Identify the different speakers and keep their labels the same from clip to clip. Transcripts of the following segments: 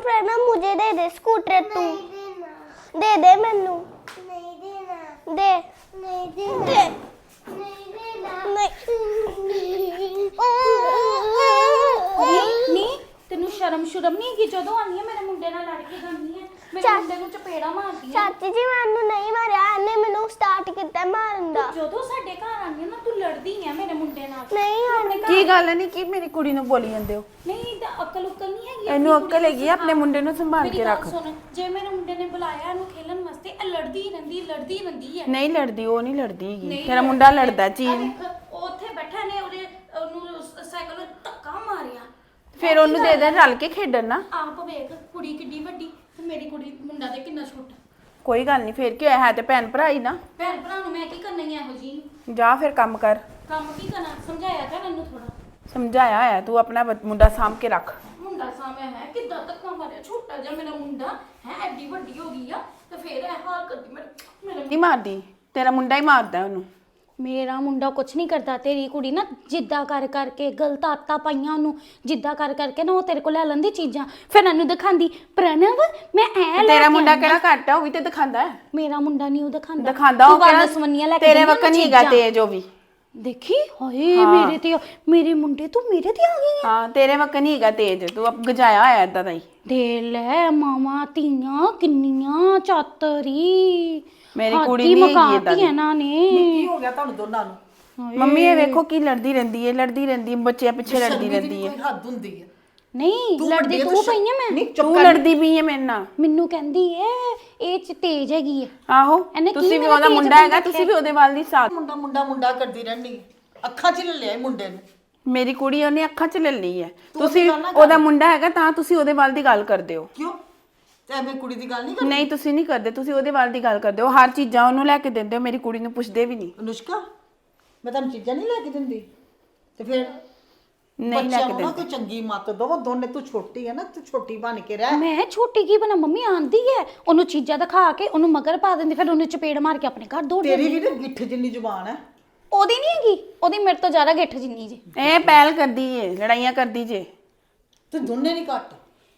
Speaker 1: प्रणव मुझे दे दे स्कूटर तू दे दे मैनू नहीं देना दे नहीं देना नहीं देना
Speaker 2: नहीं तेनू शर्म नहीं है जदों आनी है मेरे मुंडे नाल लड़ के जानी है मेरे मुंडे नू चपेड़ा मारदी है
Speaker 1: चाची जी मैनू नहीं मारिया इन्हें मैनू स्टार्ट किया मारन दा
Speaker 2: जदों साडे घर आनी है ना तू लड़दी है मेरे मुंडे नाल
Speaker 1: नहीं
Speaker 3: ਕੀ ਗੱਲ ਨਹੀਂ ਕੀ ਮੇਰੀ ਕੁੜੀ ਨੂੰ ਬੋਲੀ ਜਾਂਦੇ ਹੋ
Speaker 2: नहीं ते अकल उकल नहीं हैगी
Speaker 3: ਇਹਨੂੰ ਅਕਲ ਹੈਗੀ ਆ, ਆਪਣੇ ਮੁੰਡੇ ਨੂੰ ਸੰਭਾਲ
Speaker 2: मेरी
Speaker 3: ਕੇ
Speaker 2: गल
Speaker 3: ਰੱਖ
Speaker 2: सुन जे मेरे मुंडे ने बुलाया इनू खेलन वास्ते लड़दी रहंदी है
Speaker 3: ਨਹੀਂ ਲੜਦੀ, ਉਹ ਨਹੀਂ ਲੜਦੀ ਹੈਗੀ
Speaker 2: नहीं
Speaker 3: ਤੇਰਾ ਮੁੰਡਾ ਲੜਦਾ
Speaker 2: आ
Speaker 3: ਚੀਜ਼
Speaker 2: देख, ਉਹ ਉੱਥੇ ਬੈਠਾ ਨੇ ਉਹਨੂੰ ਸਾਈਕਲ ਵਿੱਚ ਧੱਕਾ ਮਾਰਿਆ
Speaker 3: ਫਿਰ ਉਹਨੂੰ ਦੇ ਦੇ ਰਲ ਕੇ ਖੇਡਣ ਨਾ
Speaker 2: ਆਪ ਵੇਖ ਕੁੜੀ ਕਿੱਡੀ ਵੱਡੀ ਤੇ ਮੇਰੀ ਕੁੜੀ ਮੁੰਡਾ ਤੇ ਕਿੰਨਾ ਛੋਟਾ
Speaker 3: ਕੋਈ ਗੱਲ ਨਹੀਂ ਫਿਰ ਕੀ ਹੋਇਆ ਹੈ ਤੇ ਭੈਣ ਭਰਾ ਹੀ ਨਾ
Speaker 2: ਭੈਣ ਭਰਾ ਨੂੰ ਮੈਂ ਕੀ ਕਰਨਾ ਹੀ ਇਹੋ ਜੀ
Speaker 3: ਜਾ ਫਿਰ ਕੰਮ ਕਰ
Speaker 2: ਕੰਮ ਕੀ ਕਰਨਾ ਸਮਝਾਇਆ ਤਾਂ ਮੈਨੂੰ ਥੋੜਾ
Speaker 3: ਸਮਝਾਇਆ ਹੋਇਆ ਤੂੰ ਆਪਣਾ ਮੁੰਡਾ ਸਾਂਭ ਕੇ ਰੱਖ
Speaker 2: ਮੁੰਡਾ ਸਾਹਮਣੇ ਹੈ ਕਿੱਦਾਂ ਧੱਕਾ ਮਾਰਿਆ ਛੋਟਾ ਜਿਹਾ ਮੇਰਾ ਮੁੰਡਾ ਹੈ ਐਡੀ ਵੱਡੀ ਹੋ ਗਈ ਆ ਤੇ ਫਿਰ ਇਹ ਹਾਲ ਕਰਦੀ ਮੇਰੇ
Speaker 3: ਨਹੀਂ ਮਾਰਦੀ ਤੇਰਾ ਮੁੰਡਾ ਹੀ ਮਾਰਦਾ ਉਹਨੂੰ
Speaker 2: ਮੇਰਾ ਮੁੰਡਾ ਕੁਛ ਨਹੀਂ ਕਰਦਾ ਤੇਰੀ ਕੁੜੀ ਨਾ ਜਿੱਦਾਂ ਕਰ ਕਰਕੇ ਗਲਤ ਆਦਤਾਂ ਪਾਈਆਂ ਉਹਨੂੰ ਜਿੱਦਾਂ ਕਰ ਕਰਕੇ ਨਾ ਉਹ ਤੇਰੇ ਕੋਲ ਲੈ ਲੈਂਦੀ ਚੀਜ਼ਾਂ ਫਿਰ ਇਹਨੂੰ ਦਿਖਾਉਂਦੀ ਪ੍ਰਣਵ ਮੈਂ ਐ ਲੈ
Speaker 3: ਤੇਰਾ ਮੁੰਡਾ ਕਿਹੜਾ ਘੱਟ ਆ ਉਹ ਵੀ ਤੇ ਦਿਖਾਉਂਦਾ ਹੈ
Speaker 2: ਮੇਰਾ ਮੁੰਡਾ ਨਹੀਂ ਉਹ ਦਿਖਾਉਂਦਾ
Speaker 3: ਦਿਖਾਉਂਦਾ ਉਹ
Speaker 2: ਕਿਹੜਾ ਸਵੰਨੀਆਂ ਲੈ ਕੇ
Speaker 3: ਤੇਰੇ
Speaker 2: ਦਿੰਦੀ
Speaker 3: ਵਕਨ
Speaker 2: ਉਹਨੂੰ
Speaker 3: ਹੀ ਹੈਗਾ
Speaker 2: ਚੀਜ਼ਾਂ।
Speaker 3: ਤੇਜ ਉਹ ਵੀ
Speaker 2: ਦੇਖੀ ਹਾਏ ਮੇਰੇ ਤੇ ਮੇਰੇ ਮੁੰਡੇ ਤੂੰ ਮੇਰੇ ਤੇ ਆ ਗਈ ਹੈ
Speaker 3: ਹਾਂ ਤੇਰੇ ਵਕਨ ਹੀ ਹੈਗਾ ਤੇਜ ਤੂੰ ਅਬ ਗਜਾਇਆ ਹੋਇਆ ਏਦਾਂ ਦਾ ਹੀ
Speaker 2: ਦੇ ਲੈ ਮਾਮਾ ਧੀਆਂ ਕਿੰਨੀਆਂ ਚਾਤਰੀ
Speaker 3: ਮੇਰੀ ਕੁੜੀ ਨਹੀਂ ਹੈਗੀ ਏਦਾਂ ਦੀ
Speaker 2: ਇਹਨਾਂ ਨੇ
Speaker 4: ਕੀ ਹੋ ਗਿਆ ਤੁਹਾਨੂੰ ਦੋਨਾਂ ਨੂੰ
Speaker 3: ਮੰਮੀ ਇਹ ਵੇਖੋ ਕੀ ਲੜਦੀ ਰਹਿੰਦੀ ਹੈ ਬੱਚਿਆਂ ਪਿੱਛੇ ਲੜਦੀ ਰਹਿੰਦੀ ਹੈ
Speaker 4: ਕੋਈ ਹੱਦ ਹੁੰਦੀ ਹੈ
Speaker 2: ਨਹੀਂ ਲੜਦੀ ਤੂੰ ਪਈ ਹੈ ਮੈਂ
Speaker 4: ਨਹੀਂ
Speaker 3: ਤੂੰ ਲੜਦੀ ਵੀ ਹੈ ਮੇਰੇ ਨਾਲ
Speaker 2: ਮੈਨੂੰ ਕਹਿੰਦੀ ਏ ਇਹ ਚ ਤੇਜ ਹੈਗੀ ਹੈ
Speaker 3: ਆਹੋ
Speaker 2: ਇਹਨੇ ਕੀ
Speaker 3: ਤੁਸੀਂ ਵੀ
Speaker 2: ਮੇਰਾ
Speaker 3: ਉਹਦਾ
Speaker 2: ਤੇਜ
Speaker 3: ਮੁੰਡਾ ਹੈਗਾ ਤੁਸੀਂ ਵੀ ਉਹਦੇ ਵੱਲ ਦੀ ਸਾਥ
Speaker 4: ਮੁੰਡਾ ਕਰਦੀ ਰਹਿੰਦੀ ਹੈ। ਅੱਖਾਂ 'ਚ ਲੈ ਲਿਆ ਇਹ ਮੁੰਡੇ ਨੂੰ
Speaker 3: ਮੇਰੀ ਕੁੜੀ ਉਹਨੇ ਅੱਖਾਂ 'ਚ ਲੈ ਲਈ ਹੈ ਤੁਸੀਂ ਉਹਦਾ ਮੁੰਡਾ ਹੈਗਾ ਤਾਂ ਤੁਸੀਂ ਉਹਦੇ ਵੱਲ ਦੀ ਗੱਲ ਕਰਦੇ ਹੋ
Speaker 4: ਕਿਉਂ ਤੇ ਐਵੇਂ ਕੁੜੀ ਦੀ ਗੱਲ ਨਹੀਂ ਕਰਦੀ
Speaker 3: ਨਹੀਂ ਤੁਸੀਂ ਨਹੀਂ ਕਰਦੇ ਤੁਸੀਂ ਉਹਦੇ ਵੱਲ ਦੀ ਗੱਲ ਕਰਦੇ ਹੋ ਹਰ ਚੀਜ਼ਾਂ ਉਹਨੂੰ ਲੈ ਕੇ ਦਿੰਦੇ ਹੋ ਮੇਰੀ ਕੁੜੀ ਨੂੰ ਪੁੱਛਦੇ ਵੀ ਨਹੀਂ
Speaker 4: ਅਨੁਸ਼ਕਾ ਮੈਂ ਤੁਹਾਨੂੰ ਚੀਜ਼ਾਂ ਨਹੀਂ ਲੈ ਕੇ ਦਿੰਦੀ ਤੇ ਫਿਰ
Speaker 3: ਨਹੀਂ ਲੈ
Speaker 4: ਬੱਚਿਆਂ
Speaker 3: ਕੇ
Speaker 4: ਨੂੰ ਨਾ
Speaker 3: ਦਿੰਦੇ
Speaker 4: ਕੋਈ ਚੰਗੀ ਮੱਤ ਦੋ ਦੋਨੇ ਤੂੰ ਛੋਟੀ ਹੈ ਨਾ ਤੂੰ ਛੋਟੀ ਬਣ ਕੇ ਰਹਿ
Speaker 2: ਮੈਂ ਛੋਟੀ ਕੀ ਬਣਾ ਮੰਮੀ ਆਂਦੀ ਹੈ ਉਹਨੂੰ ਚੀਜ਼ਾਂ ਦਿਖਾ ਕੇ ਉਹਨੂੰ ਮਗਰ ਪਾ ਦਿੰਦੀ ਫਿਰ ਉਹਨੂੰ ਚਪੇੜ ਮਾਰ ਕੇ ਆਪਣੇ ਘਰ ਦੌੜ
Speaker 4: ਤੇਰੀ ਵੀ ਨਾ ਗਿੱਠ ਜਿੰਨੀ ਜ਼ੁਬਾਨ ਹੈ
Speaker 2: ਉਹਦੀ ਨਹੀਂ ਹੈਗੀ ਉਹਦੀ ਮੇਰੇ ਤੋਂ ਜ਼ਿਆਦਾ ਗਿੱਠ ਜਿੰਨੀ ਜੀ
Speaker 3: ਇਹ ਪਹਿਲ ਕਰਦੀ ਏ ਲੜਾਈਆਂ ਕਰਦੀ ਜੇ
Speaker 4: ਤੂੰ ਦੋਨੇ ਨਹੀਂ ਘੱਟ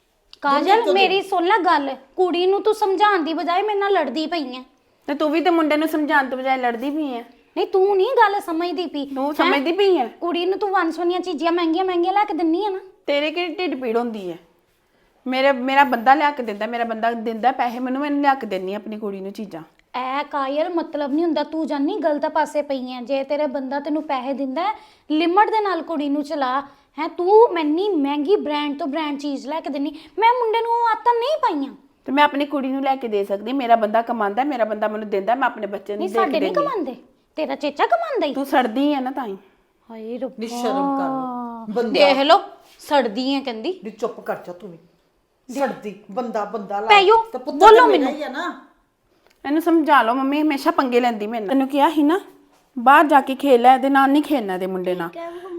Speaker 2: ਕਾਜਲ ਮੇਰੀ ਸੁਣ ਲੈ ਗੱਲ ਕੁੜੀ ਨੂੰ ਤੂੰ ਸਮਝਾਉਣ ਦੀ ਬਜਾਏ ਮੇਰੇ ਨਾਲ ਲੜਦੀ ਪਈ ਐ
Speaker 3: ਤੇ ਤੂੰ ਵੀ ਤੇ ਮੁੰਡੇ ਨੂੰ ਸਮਝਾਉਣ ਤੋਂ ਬਜਾਏ ਲੜਦੀ ਵੀ ਹੈ
Speaker 2: ਨਹੀਂ ਤੂੰ ਨਹੀਂ ਗੱਲ ਸਮਝਦੀ ਪਈ
Speaker 3: ਤੂੰ ਸਮਝਦੀ ਪਈ ਹੈ
Speaker 2: ਕੁੜੀ ਨੂੰ ਤੂੰ ਵੰਸਵਨੀਆਂ ਚੀਜ਼ਾਂ ਮਹਿੰਗੀਆਂ ਲੈ ਕੇ ਦਿੰਨੀ ਆ ਨਾ
Speaker 3: ਤੇਰੇ ਕਿਹੜੀ ਢਿੱਡ ਪੀੜ ਹੁੰਦੀ ਹੈ ਮੇਰਾ ਬੰਦਾ ਲਿਆ ਕੇ ਦਿੰਦਾ ਮੇਰਾ ਬੰਦਾ ਦਿੰਦਾ ਪੈਸੇ ਮੈਨੂੰ ਲਿਆ ਕੇ ਦਿੰਨੀ ਆਪਣੀ ਕੁੜੀ ਨੂੰ ਚੀਜ਼ਾਂ
Speaker 2: ਐ ਕਾਇਲ ਮਤਲਬ ਨਹੀਂ ਹੁੰਦਾ ਤੂੰ ਜਾਨੀ ਗਲਤ ਪਾਸੇ ਪਈ ਐ ਜੇ ਤੇਰੇ ਬੰਦਾ ਤੈਨੂੰ ਪੈਸੇ ਦਿੰਦਾ ਲਿਮਟ ਦੇ ਨਾਲ ਕੁੜੀ ਨੂੰ ਚਲਾ ਹੈ ਤੂੰ ਮੈਨੀ ਮਹਿੰਗੀ ਬ੍ਰਾਂਡ ਤੋਂ ਬ੍ਰਾਂਡ ਚੀਜ਼ ਲੈ ਕੇ ਦਿੰਨੀ ਮੈਂ ਮੁੰਡੇ ਨੂੰ ਆਦਤਾਂ ਨਹੀਂ ਪਾਈਆਂ
Speaker 3: ਤੇ ਮੈਂ ਆਪਣੀ ਕੁੜੀ ਨੂੰ ਲੈ ਕੇ ਦੇ ਸਕਦੀ ਮੇਰਾ ਬੰਦਾ ਕਮਾਉਂਦਾ ਮੇਰਾ ਬੰਦਾ ਮੈਨੂੰ ਦਿੰਦਾ ਮੈਂ ਆਪਣੇ ਬੱਚੇ ਨੂੰ
Speaker 2: ਨਹੀਂ
Speaker 3: ਦੇ ਕੇ
Speaker 2: ਸਾਡੇ ਨਹੀਂ
Speaker 3: ਦੇਣੀ
Speaker 2: ਕਮਾਉਂਦੇ ਤੇਰਾ ਚੇਚਾ ਕਮਾਉਂਦਾ ਹੀ
Speaker 3: ਤੂੰ ਸੜਦੀ ਹੈ ਨਾ ਤਾਂ ਹੀ
Speaker 2: ਹਾਏ ਰੱਬਾ
Speaker 4: ਨਿਸ਼ਰਮ ਕਰ ਲੋ ਬੰਦਾ
Speaker 2: ਦੇਖ ਲੋ ਸੜਦੀ ਐ ਕਹਿੰਦੀ
Speaker 4: ਨੀ ਚੁੱਪ ਕਰ ਜਾ ਤੂੰ ਵੀ ਸੜਦੀ ਬੰਦਾ ਲਾ
Speaker 2: ਪੈਯੋ,
Speaker 4: ਤੇ ਪੁੱਤਰ
Speaker 2: ਬੋਲੋ
Speaker 4: ਮੇਰਾ
Speaker 2: ਮੈਨੂੰ।
Speaker 4: ਹੀ ਹੈ ਨਾ
Speaker 3: ਇਹਨੂੰ ਸਮਝਾ ਲਓ ਮੰਮੀ ਹਮੇਸ਼ਾ ਪੰਗੇ ਲੈਂਦੀ ਮੇਰੇ ਨਾਲ ਤੈਨੂੰ ਕਿਹਾ ਸੀ ਨਾ ਬਾਹਰ ਜਾ ਕੇ ਖੇਲ ਲੈ ਇਹਦੇ ਨਾਲ ਨਹੀਂ ਖੇਲਣਾ ਦੇ ਮੁੰਡੇ ਨਾਲ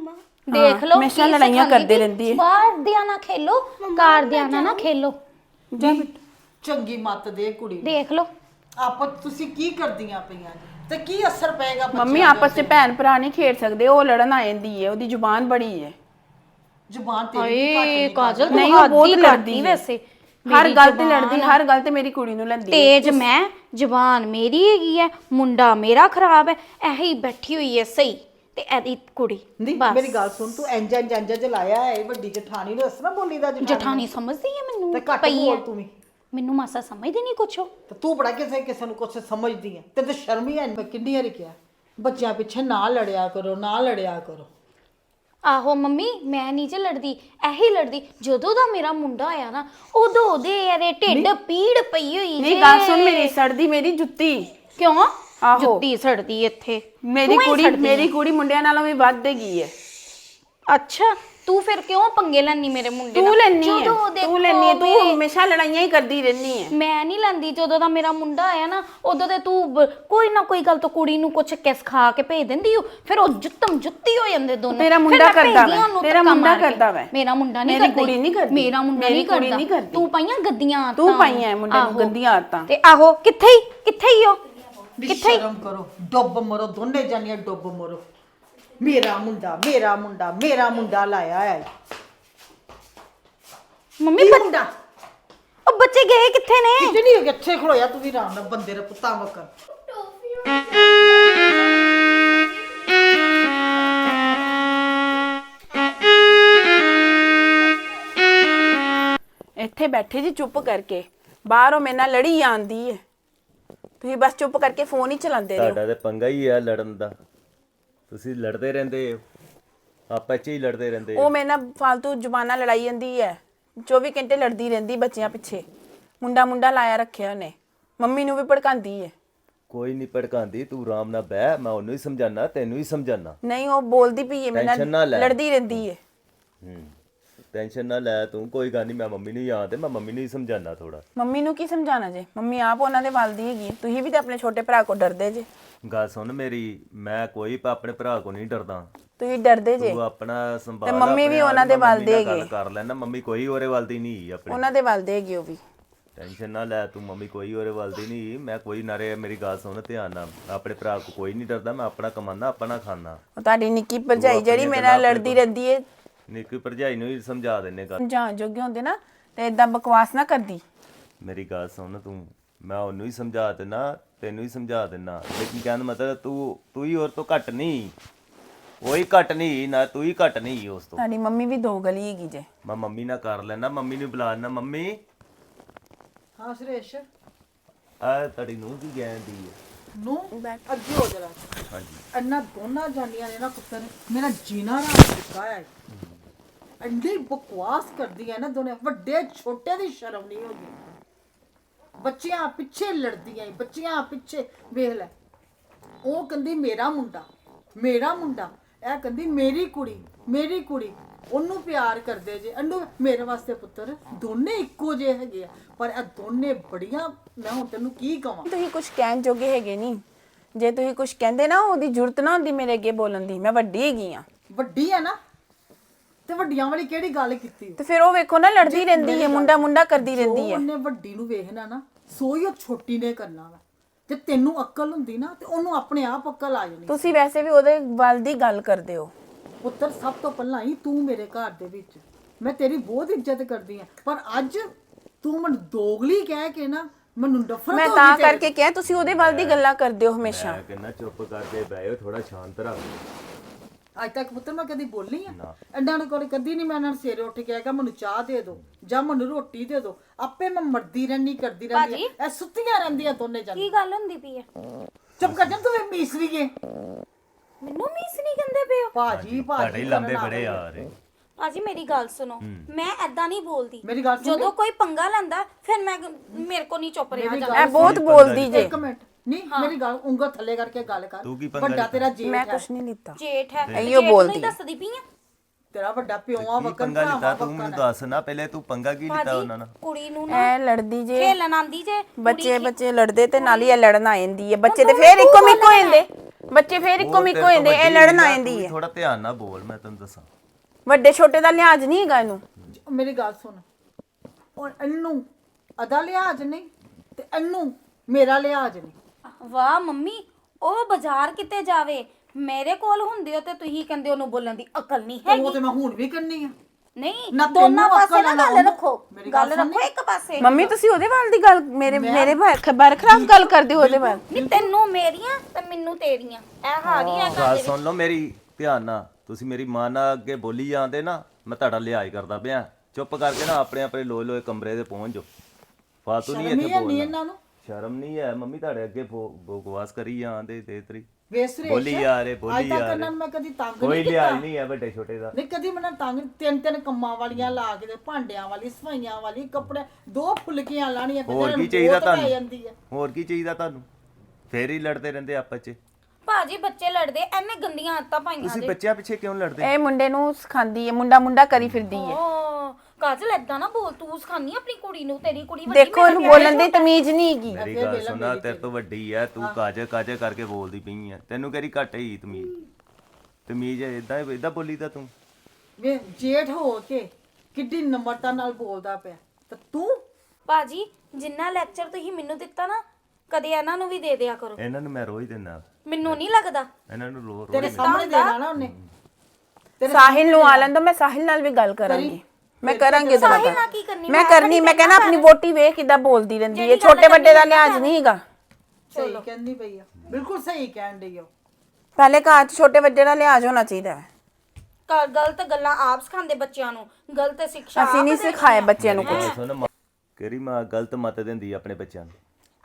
Speaker 2: ਦੇਖ ਲੋ
Speaker 3: ਹਮੇਸ਼ਾ ਲੜਾਈਆਂ ਕਰਦੀ ਰਹਿੰਦੀ ਹੈ
Speaker 2: ਬਾਹਰ ਦਿਆਂ ਨਾ ਖੇਲੋ ਕਾਰ ਦਿਆਂ ਨਾ ਖੇਲੋ
Speaker 3: ਜਾ
Speaker 4: ਚੰਗੀ ਮੱਤ ਦੇ ਕੁੜੀ ਨੂੰ।
Speaker 2: ਦੇਖ ਲੋ
Speaker 4: ਆਪਸ ਤੁਸੀਂ ਕੀ ਕਰਦੀਆਂ ਪਈਆਂ ਜੀ? ਤੇ ਕੀ ਅਸਰ ਪਏਗਾ ਬੱਚਿਆਂ
Speaker 3: ਮੰਮੀ ਆਪਸ ਵਿੱਚ ਭੈਣ ਭਰਾ ਨਹੀਂ ਖੇਡ ਸਕਦੇ ਉਹ ਲੜਨ ਆ ਜਾਂਦੀ ਹੈ ਉਹਦੀ ਜ਼ੁਬਾਨ ਬੜੀ ਹੈ
Speaker 4: ਜ਼ੁਬਾਨ ਤੇਰੀ ਘੱਟ ਨਹੀਂ
Speaker 2: ਕਾਜਲ ਤੂੰ
Speaker 3: ਨਹੀਂ ਉਹ ਬਹੁਤ
Speaker 2: ਹੱਦ ਹੀ
Speaker 3: ਲੜਦੀ
Speaker 2: ਕਰਦੀ
Speaker 3: ਹੈ
Speaker 2: ਵੈਸੇ
Speaker 3: ਹਰ ਗੱਲ ਤੇ ਲੜਦੀ ਹਰ ਗੱਲ ਤੇ ਮੇਰੀ ਕੁੜੀ ਨੂੰ ਲੈਂਦੀ ਹੈ
Speaker 2: ਤੇਜ ਮੈਂ ਜ਼ਬਾਨ ਮੇਰੀ ਹੈਗੀ ਹੈ ਮੁੰਡਾ ਮੇਰਾ ਖਰਾਬ ਹੈ ਇਹੀ ਬੈਠੀ ਹੋਈ ਹੈ ਸਹੀ ਤੇ ਇਹਦੀ ਕੁੜੀ
Speaker 4: ਨਹੀਂ ਮੇਰੀ ਗੱਲ ਸੁਣ ਤੂੰ ਇੰਜ ਜਲਾਇਆ ਹੈ ਵੱਡੀ ਜਠਾਣੀ ਨੂੰ ਇਸ ਨਾ ਬੋਲੀ ਦਾ
Speaker 2: ਜਠਾਣੀ ਸਮਝਦੀ ਹੈ
Speaker 4: ਤੇ
Speaker 2: ਮੈਨੂੰ
Speaker 4: ਘੱਟ
Speaker 2: ਪਈ
Speaker 4: ਬੋਲ
Speaker 2: ਹੈ
Speaker 4: ਤੂੰ ਵੀ
Speaker 2: ਮੈਨੂੰ ਮਾਸਾ ਸਮਝਦੀ ਨਹੀਂ ਕੁਛ ਉਹ
Speaker 4: ਤੇ ਤੂੰ ਬੜਾ ਕਿਸੇ ਨੂੰ ਕੁਛ ਸਮਝਦੀ ਹੈ ਤੇ ਸ਼ਰਮ ਹੀ ਹੈ ਮੈਂ ਕਿੰਨੀ ਵਾਰੀ ਕਿਹਾ ਬੱਚਿਆਂ ਪਿੱਛੇ ਨਾ ਲੜਿਆ ਕਰੋ
Speaker 2: ਆਹੋ ਮੰਮੀ ਮੈਂ ਨਹੀਂ ਜੇ ਲੜਦੀ ਇਹੀ ਲੜਦੀ ਜਦੋਂ ਦਾ ਮੇਰਾ ਮੁੰਡਾ ਆਇਆ ਨਾ ਉਦੋਂ ਉਹਦੇ ਇਹਦੇ ਢਿੱਡ ਪੀੜ ਪਈ ਹੋਈ
Speaker 3: ਨਹੀਂ ਗੱਲ ਸੁਣ ਮੇਰੀ ਸੜਦੀ ਮੇਰੀ ਜੁੱਤੀ
Speaker 2: ਕਿਉਂ
Speaker 3: ਆਹੋ।
Speaker 2: ਜੁੱਤੀ ਸੜਦੀ ਇੱਥੇ
Speaker 3: ਮੇਰੀ ਕੁੜੀ ਮੁੰਡਿਆਂ ਨਾਲੋਂ ਵੀ ਵੱਧ ਗਈ ਹੈ
Speaker 2: ਅੱਛਾ ਤੂੰ ਫਿਰ ਕਿਉਂ ਪੰਗੇ ਲੈਣੀ ਮੇਰੇ ਮੁੰਡੇ
Speaker 3: ਤੂੰ ਲੈਣੀ ਹੈ
Speaker 2: ਜਦੋਂ
Speaker 3: ਤੂੰ ਲੈਣੀ ਹੈ ਤੂੰ ਹਮੇਸ਼ਾ ਲੜਾਈਆਂ ਹੀ ਕਰਦੀ ਰਹਿੰਦੀ ਹੈ
Speaker 2: ਮੈਂ ਨਹੀਂ ਲੈਂਦੀ ਜਦੋਂ ਦਾ ਮੇਰਾ ਮੁੰਡਾ ਆਇਆ ਨਾ ਉਦੋਂ ਤੇ ਤੂੰ ਕੋਈ ਨਾ ਕੋਈ ਗੱਲ ਤੋਂ ਕੁੜੀ ਨੂੰ ਕੁਛ ਕਿਸ ਖਾ ਕੇ ਭੇਜ ਦਿੰਦੀ ਹੋ ਫਿਰ ਉਹ ਜੁੱਤੀ ਹੋ ਜਾਂਦੇ ਦੋਨੋਂ
Speaker 3: ਤੇਰਾ
Speaker 2: ਫਿਰ
Speaker 3: ਮੁੰਡਾ
Speaker 2: ਮੈਂ
Speaker 3: ਕਰਦਾ
Speaker 2: ਭੇਜਦੀ
Speaker 3: ਵਾ
Speaker 2: ਉਹਨੂੰ
Speaker 3: ਤੇਰਾ
Speaker 2: ਧੱਕਾ
Speaker 3: ਮੁੰਡਾ
Speaker 2: ਮਾਰ ਕੇ।
Speaker 3: ਕਰਦਾ ਵਾ
Speaker 2: ਮੇਰਾ ਮੁੰਡਾ ਨਹੀਂ
Speaker 3: ਮੇਰੀ
Speaker 2: ਕਰਦਾ
Speaker 3: ਕੁੜੀ ਨਹੀਂ ਕਰਦੀ
Speaker 2: ਮੇਰਾ ਮੁੰਡਾ
Speaker 3: ਮੇਰੀ
Speaker 2: ਨਹੀਂ
Speaker 3: ਕੁੜੀ ਨਹੀਂ
Speaker 2: ਕਰਦਾ
Speaker 3: ਕਰਦੀ।
Speaker 2: ਤੂੰ ਪਾਈਆਂ ਗੱਦੀਆਂ
Speaker 3: ਤੂੰ ਪਾਈਆਂ ਮੁੰਡੇ ਨੂੰ ਗੰਦੀਆਂ ਆਦਤਾਂ
Speaker 2: ਤੇ ਆਹੋ ਕਿੱਥੇ ਹੀ ਉਹ
Speaker 4: ਕਿੱਥੇ ਸ਼ਰਮ ਕਰੋ ਡੁੱਬ ਮਰੋ ਦੋਨੇ ਜਾਨੀਆਂ ਡੁੱਬ ਮਰੋ ਮੇਰਾ ਮੁੰਡਾ ਲਾਇਆ ਹੈ
Speaker 2: ਮੰਮੀ
Speaker 4: ਕੀ ਮੁੰਡਾ
Speaker 2: ਉਹ ਬੱਚੇ ਗਏ ਕਿੱਥੇ ਨੇ?
Speaker 4: ਕਿਤੇ ਨਹੀਂ ਇੱਥੇ ਖਲੋਇਆ ਤੂੰ ਵੀ ਆਰਾਮ ਨਾਲ ਬੰਦੇ ਦੇ ਪੁੱਤਾਂ ਵਕਰ।
Speaker 3: ਇੱਥੇ ਬੈਠੇ ਜੀ ਚੁੱਪ ਕਰਕੇ, ਬਾਹਰੋਂ ਮੇਰੇ ਨਾਲ ਲੜੀ ਆਂਦੀ ਹੈ, ਤੁਸੀਂ ਬਸ ਚੁੱਪ ਕਰਕੇ ਫੋਨ ਹੀ ਚਲਾਉਂਦੇ ਰਹੋ।
Speaker 5: ਤੁਹਾਡਾ ਤੇ ਪੰਗਾ ਹੀ ਆ ਲੜਨ ਦਾ, ਤੁਸੀਂ ਲੜਦੇ ਰਹਿੰਦੇ ਹੋ, ਆਪਸ 'ਚ ਹੀ ਲੜਦੇ ਰਹਿੰਦੇ ਹੋ।
Speaker 3: ਉਹ ਮੇਰੇ ਨਾਲ ਫालतू ਜ਼ੁਬਾਨਾਂ ਲੜਾਈ ਜਾਂਦੀ ਹੈ, 24 ਘੰਟੇ ਲੜਦੀ ਰਹਿੰਦੀ ਬੱਚਿਆਂ ਪਿੱਛੇ, ਮੁੰਡਾ ਲਾਇਆ ਰੱਖਿਆ ਉਹਨੇ, ਮੰਮੀ ਨੂੰ ਵੀ ਭੜਕਾਉਂਦੀ ਹੈ।
Speaker 5: ਕੋਈ ਨਹੀਂ ਭੜਕਾਉਂਦੀ, ਤੂੰ ਆਰਾਮ ਨਾਲ ਬਹਿ, ਮੈਂ ਉਹਨੂੰ ਹੀ ਸਮਝਾਣਾ, ਤੈਨੂੰ ਹੀ ਸਮਝਾਣਾ।
Speaker 3: ਨਹੀਂ ਉਹ ਬੋਲਦੀ ਪਈ ਹੈ ਮੇਰੇ
Speaker 5: ਟੈਨਸ਼ਨ ਨਾ
Speaker 3: ਨਾਲ,
Speaker 5: ਲੈ।
Speaker 3: ਲੜਦੀ ਰਹਿੰਦੀ ਹੈ।
Speaker 5: ਟੈਨਸ਼ਨ ਨਾ ਲੈ ਤੂੰ, ਕੋਈ ਗੱਲ ਨਹੀਂ, ਮੈਂ ਮੰਮੀ ਨੂੰ ਯਾਦ ਹੈ, ਮੈਂ ਮੰਮੀ ਨੂੰ ਹੀ ਸਮਝਾਣਾ ਥੋੜਾ।
Speaker 3: ਮੰਮੀ ਨੂੰ ਕੀ ਸਮਝਾਣਾ ਜੇ, ਮੰਮੀ ਆਪ ਉਹਨਾਂ ਦੇ ਵੱਲ ਦੀ ਹੈਗੀ, ਤੁਸੀਂ ਵੀ ਤੇ ਆਪਣੇ ਛੋਟੇ ਭਰਾ ਕੋ ਡਰਦੇ ਜੇ।
Speaker 5: ਗੱਲ ਸੁਣ ਮੇਰੀ, ਮੈਂ ਕੋਈ ਆਪਣੇ ਭਰਾ ਕੋ ਨਹੀਂ ਡਰਦਾ,
Speaker 3: ਤੁਸੀਂ ਡਰਦੇ ਜੇ,
Speaker 5: ਤੂੰ ਆਪਣਾ ਸੰਭਾਲ।
Speaker 3: ਤੇ ਮੰਮੀ ਵੀ ਉਹਨਾਂ ਦੇ ਵੱਲ ਦੇ ਹੈਗੇ,
Speaker 5: ਕਰ ਲੈਣਾ, ਮੰਮੀ ਕੋਈ ਉਹਦੇ ਵੱਲ ਦੀ ਨਹੀਂ ਆਪਣੀ,
Speaker 3: ਉਹਨਾਂ ਦੇ ਵੱਲ ਦੇ ਹੈਗੇ ਉਹ ਵੀ।
Speaker 5: ਟੈਨਸ਼ਨ ਨਾ ਲੈ ਤੂੰ, ਮੰਮੀ ਕੋਈ ਉਹਦੇ ਵੱਲ ਦੀ ਨਹੀਂ, ਮੈਂ ਕੋਈ ਨਾਰੇ, ਮੇਰੀ ਗੱਲ ਸੁਣ ਧਿਆਨ ਨਾਲ, ਆਪਣੇ ਭਰਾ ਕੋ ਕੋਈ ਨਹੀਂ ਡਰਦਾ, ਮੈਂ ਆਪਣਾ ਕਮਾਨਾ ਆਪਣਾ ਖਾਣਾ।
Speaker 3: ਉਹ ਤੁਹਾਡੀ ਨਿੱਕੀ ਭਰਜਾਈ ਜਿਹੜੀ ਮੇਰੇ ਨਾਲ ਲੜਦੀ ਰਹਿੰਦੀ ਹੈ,
Speaker 5: ਨਿੱਕੀ ਭਰਜਾਈ ਨੂੰ ਹੀ ਸਮਝਾ ਦਿੰਨੇ ਗੱਲ।
Speaker 3: ਸਮਝਾਉਣ ਜੋਗੇ ਹੁੰਦੇ ਨਾ ਤੇ ਇਦਾਂ ਬਕਵਾਸ ਨਾ ਕਰਦੀ।
Speaker 5: ਮੇਰੀ ਗੱਲ ਸੁਣ ਤੂੰ, ਮੈਂ ਉਹਨੂੰ ਹੀ ਸਮਝਾ ਦਿੰਨਾ, ਤੈਨੂੰ ਹੀ ਸਮਝਾ ਦਿੰਨਾ, ਲੇਕਿਨ ਕਹਿਣ ਦਾ ਮਤਲਬ ਤੂੰ ਹੀ ਹੋਰ ਤੋਂ ਘੱਟ ਨਹੀਂ, ਉਹੀ ਘੱਟ ਨਹੀਂ ਨਾ, ਤੂੰ ਹੀ ਘੱਟ ਨਹੀਂ ਉਸ ਤੋਂ।
Speaker 3: ਤੁਹਾਡੀ ਮੰਮੀ ਵੀ ਦੋ ਗਲੀ ਹੈਗੀ ਜੇ।
Speaker 5: ਮੈਂ ਮੰਮੀ ਨਾਲ ਕਰ ਲੈਣਾ, ਮੰਮੀ ਨੂੰ ਬੁਲਾ ਲੈਣਾ। ਮੰਮੀ
Speaker 4: ਹਾਂ ਸੁਰੇਸ਼
Speaker 5: ਆ ਤੁਹਾਡੀ ਨੂੰਹ ਕੀ ਕਹਿੰਦੀ ਹੈ?
Speaker 4: ਨੂੰ ਅੱਗੇ ਹੋ ਜਰਾ।
Speaker 5: ਹਾਂਜੀ
Speaker 4: ਇੰਨਾ ਦੋਨਾਂ ਜਾਨੀਆਂ ਨੇ ਨਾ ਪੁੱਤਰ ਮੇਰਾ ਜੀਣਾ ਰਾਮ ਚੁੱਕਾ ਹੈ। ਇੰਨੀ ਬਕਵਾਸ ਕਰਦੀ ਹੈ ਨਾ ਦੋਨੇ, ਵੱਡੇ ਛੋਟੇ ਦੀ ਸ਼ਰਮ ਨਹੀਂ ਹੋਗੀ। ਬੱਚਿਆਂ ਪਿੱਛੇ ਲੜਦੀਆਂ ਈ, ਬੱਚਿਆਂ ਪਿੱਛੇ ਵੇਖ ਲੈ। ਉਹ ਕਹਿੰਦੀ ਮੇਰਾ ਮੁੰਡਾ, ਇਹ ਕਹਿੰਦੀ ਮੇਰੀ ਕੁੜੀ। ਉਹਨੂੰ ਪਿਆਰ ਕਰਦੇ ਜੇ, ਇਹਨੂੰ ਮੇਰੇ ਵਾਸਤੇ ਪੁੱਤਰ ਦੋਨੇ ਇੱਕੋ ਜਿਹੇ ਹੈਗੇ ਆ, ਪਰ ਇਹ ਦੋਨੇ ਬੜੀਆਂ, ਮੈਂ ਹੁਣ ਤੈਨੂੰ ਕੀ ਕਵਾਂ।
Speaker 3: ਤੁਸੀਂ ਕੁਝ ਕਹਿਣ ਜੋਗੇ ਹੈਗੇ ਨਹੀਂ, ਜੇ ਤੁਸੀਂ ਕੁਝ ਕਹਿੰਦੇ ਨਾ ਉਹਦੀ ਜ਼ਰੂਰਤ ਨਾ ਹੁੰਦੀ ਮੇਰੇ ਅੱਗੇ ਬੋਲਣ ਦੀ, ਮੈਂ ਵੱਡੀ ਹੈਗੀ ਆ।
Speaker 4: ਵੱਡੀ ਹੈ ਨਾ, ਤੇ ਵੱਡੀਆਂ ਵਾਲੀ ਕਿਹੜੀ ਗੱਲ ਕੀਤੀ?
Speaker 3: ਤੇ ਫਿਰ ਉਹ ਵੇਖੋ ਨਾ ਲੜਦੀ ਰਹਿੰਦੀ ਹੈ, ਮੁੰਡਾ ਕਰਦੀ ਰਹਿੰਦੀ ਹੈ।
Speaker 4: ਉਹਨੇ ਵੱਡੀ ਨੂੰ ਵੇਖਣਾ ਨਾ, ਸੋਈ ਉਹ ਛੋਟੀ ਨੇ ਕਰਨਾ ਵਾ। ਤੇ ਤੈਨੂੰ ਅਕਲ ਹੁੰਦੀ ਨਾ ਤੇ ਉਹਨੂੰ ਆਪਣੇ ਆਪ ਅਕਲ ਆ ਜਾਣੀ।
Speaker 3: ਤੁਸੀਂ ਵੈਸੇ ਵੀ ਉਹਦੇ ਵੱਲ ਦੀ ਗੱਲ ਕਰਦੇ ਹੋ।
Speaker 4: ਪੁੱਤਰ ਸਭ ਤੋਂ ਪਹਿਲਾਂ ਹੀ ਤੂੰ ਮੇਰੇ ਘਰ ਦੇ ਵਿੱਚ, ਮੈਂ ਤੇਰੀ ਬਹੁਤ ਇੱਜ਼ਤ ਕਰਦੀ ਆ, ਪਰ ਅੱਜ ਤੂੰ ਮੈਨੂੰ ਦੋਗਲੀ ਕਹਿ ਕੇ ਨਾ ਮੈਨੂੰ ਨਫ਼ਰਤ
Speaker 3: ਮੈਂ
Speaker 4: ਹੋ
Speaker 3: ਤਾਂ
Speaker 4: ਗਈ
Speaker 3: ਕਰਕੇ ਕਿਹਾ ਤੁਸੀਂ ਉਹਦੇ ਵੱਲ ਦੀ ਗੱਲਾਂ ਕਰਦੇ ਹੋ ਹਮੇਸ਼ਾ।
Speaker 5: ਮੈਂ ਕਹਿੰਦਾ ਚੁੱਪ ਕਰਕੇ ਬਹਿਓ, ਥੋੜਾ ਸ਼ਾਂਤ ਰਹੋ।
Speaker 4: ਅੱਜ ਤੱਕ ਪੁੱਤਰ ਮੈਂ ਕਦੀ ਬੋਲੀ ਆ? ਇਹਨਾਂ ਨੇ ਕੋਲ ਕਦੀ ਨਹੀਂ, ਮੈਂ ਇਹਨਾਂ ਨੂੰ ਸਵੇਰੇ ਉੱਠ ਕੇ ਆਇਆ ਮੈਨੂੰ ਚਾਹ ਦੇ ਦਿਓ ਜਾਂ ਮੈਨੂੰ ਰੋਟੀ ਦੇ ਦਿਓ, ਆਪੇ ਮੈਂ ਮਰਦੀ ਰਹਿਣੀ ਕਰਦੀ ਰਹਿੰਦੀ ਆ। ਇਹ ਸੁੱਤੀਆਂ ਰਹਿੰਦੀਆਂ ਦੋਨੇ ਜਣ।
Speaker 2: ਕੀ ਗੱਲ ਹੁੰਦੀ ਪਈ ਹੈ?
Speaker 4: ਚੁੱਪ ਕਰ ਜਾ ਤੂੰ, ਵੀ ਮੀਸਰੀਏ।
Speaker 2: ਮੈਨੂੰ ਮੀਸ ਨਹੀਂ ਕਹਿੰਦੇ ਪਏ ਹੋ?
Speaker 4: ਭਾਜੀ
Speaker 5: ਤੁਹਾਡੇ ਹੀ ਲੰਬੇ ਬੜੇ ਯਾਰ।
Speaker 2: ਭਾਜੀ ਮੇਰੀ ਗੱਲ ਸੁਣੋ, ਮੈਂ ਐਦਾਂ ਨਹੀਂ ਬੋਲਦੀ।
Speaker 4: ਮੇਰੀ ਗੱਲ ਸੁਣ।
Speaker 2: ਜਦੋਂ ਕੋਈ ਪੰਗਾ ਲੈਂਦਾ ਫਿਰ ਮੇਰੇ ਕੋ ਨਹੀਂ ਚੁੱਪ ਰਿਹਾ ਜਾਂਦਾ।
Speaker 3: ਇਹ ਬਹੁਤ ਬੋਲਦੀ ਜੇ।
Speaker 4: ਇੱਕ ਮਿੰਟ ਨਹੀਂ, ਮੇਰੀ ਗੱਲ ਉਂਗਲ ਥੱਲੇ ਕਰਕੇ ਗੱਲ ਕਰ।
Speaker 5: ਤੂੰ ਕੀ ਪੰਗਾ
Speaker 4: ਵੱਡਾ ਤੇਰਾ ਜੇਠ
Speaker 3: ਮੈਂ
Speaker 4: ਹੈ,
Speaker 3: ਕੁਝ ਨਹੀਂ ਲਿੱਤਾ।
Speaker 2: ਜੇਠ ਹੈ,
Speaker 3: ਇਹੀਓ ਬੋਲਦੀ
Speaker 2: ਨਹੀਂ ਦੱਸਦੀ ਪਈ ਆ।
Speaker 4: ਤੇਰਾ ਵੱਡਾ ਪਿਓਆ
Speaker 5: ਕੀ
Speaker 4: ਵਕਨ
Speaker 5: ਪੰਗਾ ਲਿੱਤਾ
Speaker 4: ਭਰਾਵਾ
Speaker 5: ਤੂੰ ਮੈਨੂੰ ਦੱਸ ਨਾ, ਪਹਿਲੇ ਤੂੰ ਪੰਗਾ ਕੀ ਲਿੱਤਾ ਉਹਨਾਂ ਨਾਲ?
Speaker 2: ਕੁੜੀ ਨੂੰ ਨਾ
Speaker 3: ਐ ਲੜਦੀ ਜੇ,
Speaker 2: ਖੇਲਣ ਆਂਦੀ ਜੇ।
Speaker 3: ਬੱਚੇ ਲੜਦੇ ਤੇ ਨਾਲ ਹੀ ਇਹ ਲੜਨ ਆ ਜਾਂਦੀ ਹੈ। ਬੱਚੇ ਤੇ ਫੇਰ ਇੱਕੋ ਮਿੱਕੋ ਜਾਂਦੇ, ਬੱਚੇ ਫੇਰ ਇੱਕੋ ਮਿੱਕੋ ਜਾਂਦੇ, ਇਹ ਲੜਨ ਆ ਜਾਂਦੀ ਹੈ।
Speaker 5: ਥੋੜਾ ਧਿਆਨ ਨਾਲ ਬੋਲ, ਮੈਂ ਤੈਨੂੰ ਦੱਸਾਂ।
Speaker 3: ਵੱਡੇ ਛੋਟੇ ਦਾ ਲਿਹਾਜ਼ ਨਹੀਂ ਹੈਗਾ ਇਹਨੂੰ।
Speaker 4: ਮੇਰੀ ਗੱਲ ਸੁਣ, ਔਰ ਇਹਨੂੰ ਅਦਾ ਲਿਹਾਜ਼ ਨਹੀਂ ਤੇ ਇਹਨੂੰ ਮੇਰਾ ਲਿਹਾਜ਼ ਨਹੀਂ।
Speaker 2: ਵਾਹ ਮੰਮੀ, ਉਹ ਬਾਜ਼ਾਰ ਕਿਤੇ ਜਾਵੇ, ਮੇਰੇ ਕੋਲ ਹੁੰਦੇ ਹੋ ਤੇ ਤੁਸੀਂ ਕਹਿੰਦੇ ਉਹਨੂੰ ਬੋਲਣ ਦੀ ਅਕਲ ਨਹੀਂ
Speaker 4: ਉਹ
Speaker 2: ਹੈਗੀ।
Speaker 4: ਤੇ ਮੈਂ ਹੁਣ ਵੀ ਕਰਨੀ ਆ।
Speaker 2: ਨਹੀਂ,
Speaker 4: ਨਾ
Speaker 2: ਦੋਨਾਂ
Speaker 4: ਤੈਨੂੰ
Speaker 2: ਪਾਸੇ ਨਾ
Speaker 4: ਅਕਲ
Speaker 2: ਗੱਲ
Speaker 4: ਨਾ
Speaker 2: ਰੱਖੋ,
Speaker 4: ਮੇਰੀ ਗੱਲ
Speaker 2: ਗੱਲ ਰੱਖੋ ਇੱਕ ਪਾਸੇ।
Speaker 3: ਮੰਮੀ ਤੁਸੀਂ ਉਹਦੇ ਵੱਲ ਦੀ ਗੱਲ, ਮੇਰੇ ਬਰਖਲਾਫ ਗੱਲ ਕਰਦੇ ਹੋ ਉਹਦੇ ਵੱਲ।
Speaker 2: ਨਹੀਂ ਤੈਨੂੰ ਮੇਰੀਆਂ ਤੇ ਮੈਨੂੰ ਤੇਰੀਆਂ, ਇਹ ਹਾਰੀ ਹੈ
Speaker 5: ਗੱਲ ਸੁਣ ਲਓ ਮੇਰੀ ਧਿਆਨ ਨਾਲ। ਤੁਸੀਂ ਮੇਰੀ ਮਾਂ ਨਾਲ ਅੱਗੇ ਬੋਲੀ ਜਾਂਦੇ ਨਾ, ਮੈਂ ਤੁਹਾਡਾ ਲਿਹਾਜ਼ ਕਰਦਾ ਪਿਆ। ਚੁੱਪ ਕਰਕੇ ਨਾ ਆਪਣੇ ਲੋਏ ਕਮਰੇ ਤੇ ਪਹੁੰਚ ਜਾਓ, ਫਾਲਤੂ ਨਹੀਂ ਇੱਥੇ
Speaker 4: ਨਹੀਂ
Speaker 5: ਬੋਲਣਾ।
Speaker 4: ਇਹਨਾਂ ਨੂੰ
Speaker 5: ਸ਼ਰਮ ਨਹੀਂ ਹੈ ਮੰਮੀ ਤੁਹਾਡੇ ਅੱਗੇ ਬਕਵਾਸ ਕਰੀ ਜਾਂਦੇ ਤੇ ਤੇਰੀ
Speaker 4: ਵੇਸਰੇ
Speaker 5: ਬੋਲੀ ਯਾਰੇ
Speaker 4: ਅੱਜ
Speaker 5: ਬੋਲੀ
Speaker 4: ਤੱਕ
Speaker 5: ਯਾਰੇ।
Speaker 4: ਇਹਨਾਂ ਨੂੰ ਮੈਂ ਕਦੀ ਤੰਗ
Speaker 5: ਕੋਈ
Speaker 4: ਨਹੀਂ ਕੀਤਾ।
Speaker 5: ਲਿਹਾਜ਼ ਨਹੀਂ ਹੈ ਵੱਡੇ ਛੋਟੇ ਦਾ।
Speaker 4: ਨਹੀਂ ਕਦੀ ਮੈਨੂੰ ਤੰਗ, ਤਿੰਨ ਕੰਮਾਂ ਵਾਲੀਆਂ ਲਾ ਕੇ ਤੇ ਭਾਂਡਿਆਂ ਵਾਲੀ, ਸਫਾਈਆਂ ਵਾਲੀ, ਕੱਪੜੇ, ਦੋ ਫੁਲਕੀਆਂ ਲਾਣੀਆਂ ਤੇ
Speaker 5: ਹੋਰ
Speaker 4: ਇਹਨਾਂ
Speaker 5: ਕੀ
Speaker 4: ਨੂੰ
Speaker 5: ਚਾਹੀਦਾ
Speaker 4: ਬਹੁਤ ਪੈ ਜਾਂਦੀ ਹੈ।
Speaker 5: ਤੁਹਾਨੂੰ? ਹੋਰ ਕੀ ਚਾਹੀਦਾ ਤੁਹਾਨੂੰ? ਫੇਰ ਹੀ ਲੜਦੇ ਰਹਿੰਦੇ ਆਪਸ ਚ।
Speaker 2: ਭਾਜੀ ਬੱਚੇ ਲੜਦੇ, ਐਨੇ ਗੰਦੀਆਂ ਆਦਤਾਂ ਪਾਈਆਂ
Speaker 5: ਤੁਸੀਂ
Speaker 2: ਜੇ।
Speaker 5: ਬੱਚਿਆਂ ਪਿੱਛੇ ਕਿਉਂ ਲੜਦੇ?
Speaker 3: ਇਹ ਮੁੰਡੇ ਨੂੰ ਸਿਖਾਉਂਦੀ ਹੈ, ਮੁੰਡਾ ਕਰੀ ਫਿਰਦੀ ਹੈ।
Speaker 2: ਓ ਕਾਜਲ ਏਦਾਂ ਨਾ ਬੋਲ, ਤੂੰ ਸਿਖਾਨੀ ਆਪਣੀ ਕੁੜੀ ਨੂੰ, ਤੇਰੀ ਕੁੜੀ ਵੱਡੀ।
Speaker 3: ਦੇਖੋ ਇਹਨੂੰ ਬੋਲਣ ਦੀ ਤਮੀਜ਼ ਨਹੀਂ ਹੈਗੀ।
Speaker 5: ਮੇਰੀ ਗੱਲ ਸੁਣਾ, ਤੇਰੇ ਤੋਂ ਵੱਡੀ ਐ, ਤੂੰ ਕਾਜੇ ਕਰਕੇ ਬੋਲਦੀ ਪਈ ਐ। ਤੈਨੂੰ ਕਿਹੜੀ ਘੱਟ ਹੈ ਤਮੀਜ਼ ਇਦਾਂ ਬੋਲੀਦਾ ਤੂੰ?
Speaker 4: ਵੇ ਜੇਠ ਹੋ ਕੇ ਕਿੱਡੀ ਨਮਰਤਾ ਨਾਲ ਬੋਲਦਾ ਪਿਆ ਤੇ ਤੂੰ।
Speaker 2: ਭਾਜੀ ਜਿੰਨਾ ਲੈਕਚਰ ਤੁਸੀਂ ਮੈਨੂੰ ਦਿੱਤਾ ਨਾ, ਕਦੇ ਇਹਨਾਂ ਨੂੰ ਵੀ ਦੇ ਦਿਆ ਕਰੋ।
Speaker 5: ਇਹਨਾਂ ਨੂੰ ਮੈਂ ਰੋਜ਼ ਦਿੰਦਾ,
Speaker 2: ਮੈਨੂੰ ਨਹੀਂ ਲੱਗਦਾ।
Speaker 5: ਇਹਨਾਂ ਨੂੰ ਰੋਜ਼
Speaker 4: ਤੇਰੇ ਸਾਹਮਣੇ ਦੇਣਾ ਨਾ ਉਹਨੇ।
Speaker 3: ਸਾਹਿਲ ਨੂੰ ਆ ਲੈਣ ਦੋ, ਮੈਂ ਸਾਹਿਲ ਨਾਲ ਵੀ ਗੱਲ ਕਰਾਂਗੀ। ਮੈਂ ਕਰਾਂਗੀ ਉਹਦੇ ਨਾਲ
Speaker 2: ਸਾਹਿਲ ਨਾਲ
Speaker 3: ਗੱਲ।
Speaker 2: ਕੀ ਕਰਨੀ?
Speaker 3: ਮੈਂ ਕਰਨੀ, ਮੈਂ ਕਹਿਣਾ ਆਪਣੀ ਵੋਟੀ ਵੇਖ ਕਿੱਦਾਂ ਬੋਲਦੀ ਰਹਿੰਦੀ ਹੈ, ਛੋਟੇ ਵੱਡੇ ਦਾ ਲਿਹਾਜ਼ ਨਹੀਂ ਹੈਗਾ।
Speaker 4: ਸਹੀ ਕਹਿੰਦੀ ਪਈ ਆ, ਬਿਲਕੁਲ ਸਹੀ ਕਹਿਣ ਡਈ ਆ।
Speaker 3: ਪਹਿਲੇ ਘਰ 'ਚ ਛੋਟੇ ਵੱਡੇ ਦਾ ਲਿਹਾਜ਼ ਹੋਣਾ ਚਾਹੀਦਾ ਹੈ।
Speaker 2: ਗਲਤ ਗੱਲਾਂ ਆਪ ਸਿਖਾਉਂਦੇ ਬੱਚਿਆਂ ਨੂੰ, ਗਲਤ ਸਿੱਖਿਆ
Speaker 3: ਅਸੀਂ ਨਹੀਂ ਸਿਖਾਏ ਬੱਚਿਆਂ ਨੂੰ ਕੁਝ।
Speaker 5: ਗੱਲ ਸੁਣ ਕਿਹੜੀ ਮਾਂ ਗਲਤ ਮੱਤ ਦਿੰਦੀ ਆ ਆਪਣੇ ਬੱਚਿਆਂ ਨੂੰ?